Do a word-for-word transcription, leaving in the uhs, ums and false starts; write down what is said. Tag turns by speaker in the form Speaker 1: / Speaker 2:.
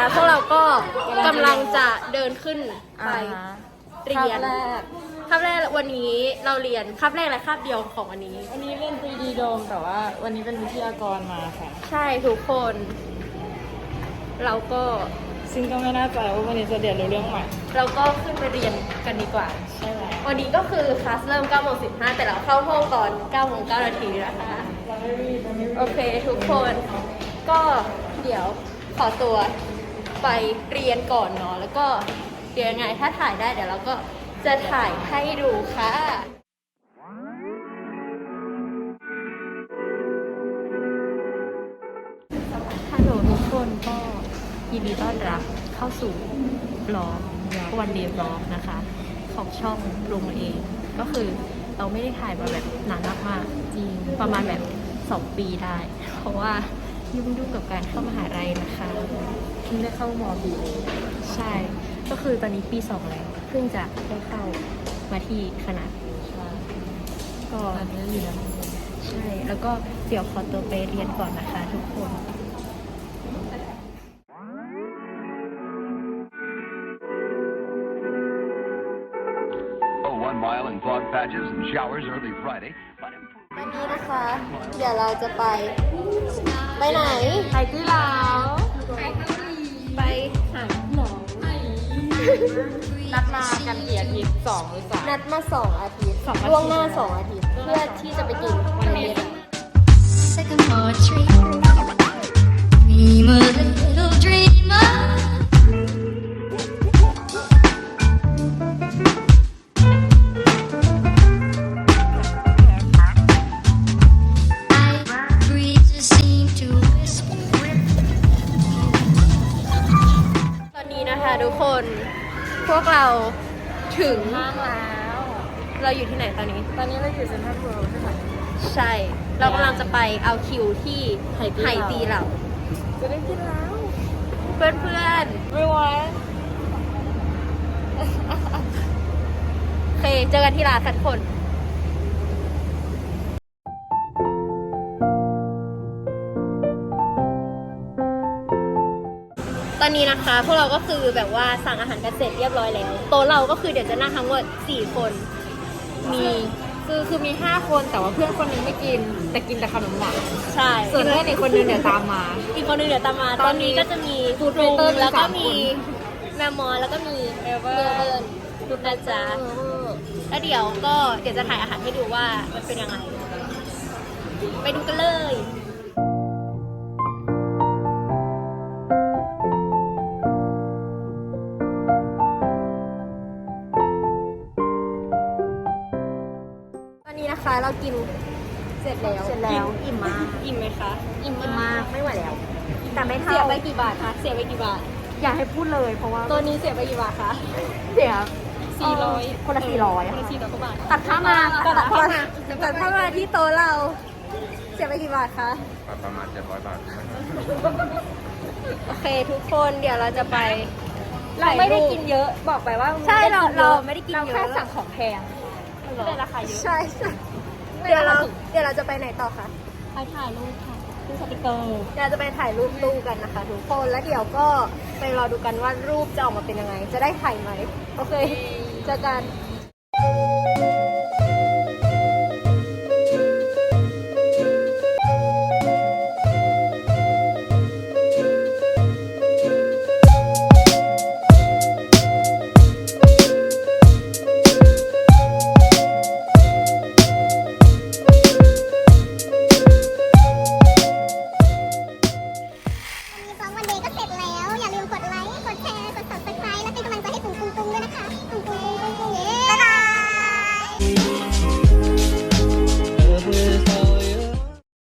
Speaker 1: พวกเราก็กำลังจะเดินขึ้นไปเรียน
Speaker 2: คาบแรก
Speaker 1: คาบแรกวันนี้เราเรียนคาบแรกและคาบเดียวของวันนี้
Speaker 2: วันนี้เป็น ทรี ดี Dome แต่ว่าวันนี้เป็นวิทยากรมาค่ะ
Speaker 1: ใช่ทุกคน เราก็
Speaker 2: ซึ่งก็ไม่แน่ใจว่าวันนี้จะเรียนรู้เรื่องใหม่
Speaker 1: เราก็ขึ้นไปเรียนกันดีกว่า
Speaker 2: ใช่แล้ว
Speaker 1: วันนี้ก็คือคลาสเริ่มเก้าโมงสิบห้าแต่เราเข้าห้องตอนเก้าโมงเก้านาทีนะคะ
Speaker 2: เราไม่รีบเราไม่รีบ
Speaker 1: โอเคทุกคนก็เดี๋ยวขอตัวไปเรียนก่อนเนาะแล้วก็เดี๋ยวยังไงถ้าถ่ายได้เดี๋ยวเราก็จะถ่ายให้ดูค่ะฮัลโหลทุกคนก็ยินดีต้อนรับเข้าสู่บล็อกวันเดย์บล็อกนะคะของช่องปรุงเองก็คือเราไม่ได้ถ่ายมาแบบนานมากๆจริงประมาณแบบสองปีได้ เพราะว่ายุ่งๆกับการเข้ามหาลัยนะคะเพิ่งได้เข้ามอปีใช่ ก็คือตอนนี้ปีสองแล้วเพิ่งจะได้เข้ามาที่คณะก็
Speaker 2: อันนี้อยู่นะ
Speaker 1: ใช่แล้วก็เดี๋ยวขอตัวไปเรียนก่อนนะคะทุกคน
Speaker 3: One mile in fog patches and showers early Friday.
Speaker 1: วันนี้นะคะ เดี๋ยวเราจะไป ไปไหน
Speaker 2: ไปที่ลาว
Speaker 1: ไปหาหมอ
Speaker 2: นัดมากันกี่อาทิตย์สองหรือสาม
Speaker 1: นัดมาสองอาทิตย์
Speaker 2: สองอาทิตย์
Speaker 1: ล่วงหน้าสองอาทิตย์ เพื่อที่จะไปกิน
Speaker 2: วันนี้
Speaker 4: Second poetry. Dream a little dreamer. I breezes seem to whisper.
Speaker 1: ตอนนี้นะคะทุกคนพวกเราถึง
Speaker 2: ห้างแล้ว
Speaker 1: เราอยู่ที่ไหนตอนนี้
Speaker 2: ตอนนี้เราอยู่เซ็นทรัลเวิลด์ใช่ไหม
Speaker 1: ใช่ เรากำลังจะไปเอาคิวที่
Speaker 2: ไหตีเหลา
Speaker 1: ตีเหล่า
Speaker 2: จะได้กินแล้ว
Speaker 1: เพื่อนเพื่อน
Speaker 2: ไม่ไหว
Speaker 1: ๆโอเคเจอกันที่ร้านทุกคน ตอนนี้นะคะ พวกเราก็คือแบบว่าสั่งอาหารกันเสร็จเรียบร้อยแล้วโต๊ะเราก็คือเดี๋ยวจะนั่งทั้งหมดสี่คน
Speaker 2: มีคือคือมีห้าคนแต่ว่าเพื่อนคนหนึงไม่กิน แต่กินแต่ขนมหวาน
Speaker 1: ใช่
Speaker 2: ส่วนเพื่อนอีกคนนึงเดี๋ยวตามมา
Speaker 1: อีกคนนึงเดี๋ยวตามมา
Speaker 2: ต
Speaker 1: ต
Speaker 2: อ
Speaker 1: อน น
Speaker 2: นี้
Speaker 1: นี้ก็จะมี
Speaker 2: Food
Speaker 1: ปรุง
Speaker 2: Waiter มี
Speaker 1: แล้วก็
Speaker 2: สาม
Speaker 1: มี
Speaker 2: คน
Speaker 1: แมมมอนแล้วก็มี
Speaker 2: เอเว
Speaker 1: เบ
Speaker 2: อ
Speaker 1: อ
Speaker 2: ร์
Speaker 1: ร์เบิร์นดูนะจ๊ะแล้วเดี๋ยวก็เดี๋ยวจะถ่ายอาหารให้ดูว่ามันเป็นยังไง ไปดูกันเลย ตอนนี้นะคะเรากินเสร็จแล้ว
Speaker 2: เสร็จแล้ว
Speaker 1: กินอิ่มมากอิ่มไหมคะอิ่ม
Speaker 2: อิ่มมากไม่ไหวแล้ว แต่ไม่
Speaker 1: เสี
Speaker 2: เท่าย
Speaker 1: ไปกี่บาทคะเสียไปกี่บาท
Speaker 2: อย่าให้พูดเลยเพราะว่า
Speaker 1: ตัวนี้เสียไปกี่บาทคะ
Speaker 2: เสีย
Speaker 1: สี่ร้อย
Speaker 2: คนละสี่ร้อย
Speaker 1: คนละสี่ร้อยกว่าบาท
Speaker 2: ตัดค่ามา
Speaker 1: ตัดเข้ามาตัดเข้ามาที่โต๊ะเรา เสียไปกี่บาทคะ
Speaker 3: ประมาณเจ็ดร้อยบาท
Speaker 1: โอเคทุกคนเดี๋ยวเราจะไป
Speaker 2: เราไม่ได้กินเยอะบอกไปว่า
Speaker 1: ใช่เรา
Speaker 2: กินย
Speaker 1: เรา
Speaker 2: อะ
Speaker 1: ไม่ได้กิน
Speaker 2: เรา
Speaker 1: เยอะ
Speaker 2: แค่สั่งของแพงก็เลยราคาเยอะ
Speaker 1: ใช่ใช่เดี๋ยวเราเดี๋ยวเราจะไปไหนต่อคะ
Speaker 2: ไปถ่ายรูปค่ะซื้อสติกเกอร์
Speaker 1: เดี๋ยวเราจะไปถ่ายรูปตู้กันนะคะทุกคนแล้วเดี๋ยวก็ไปรอดูกันว่ารูปจะออกมาเป็นยังไง จะได้ถ่ายไหมโอเคเจอกัน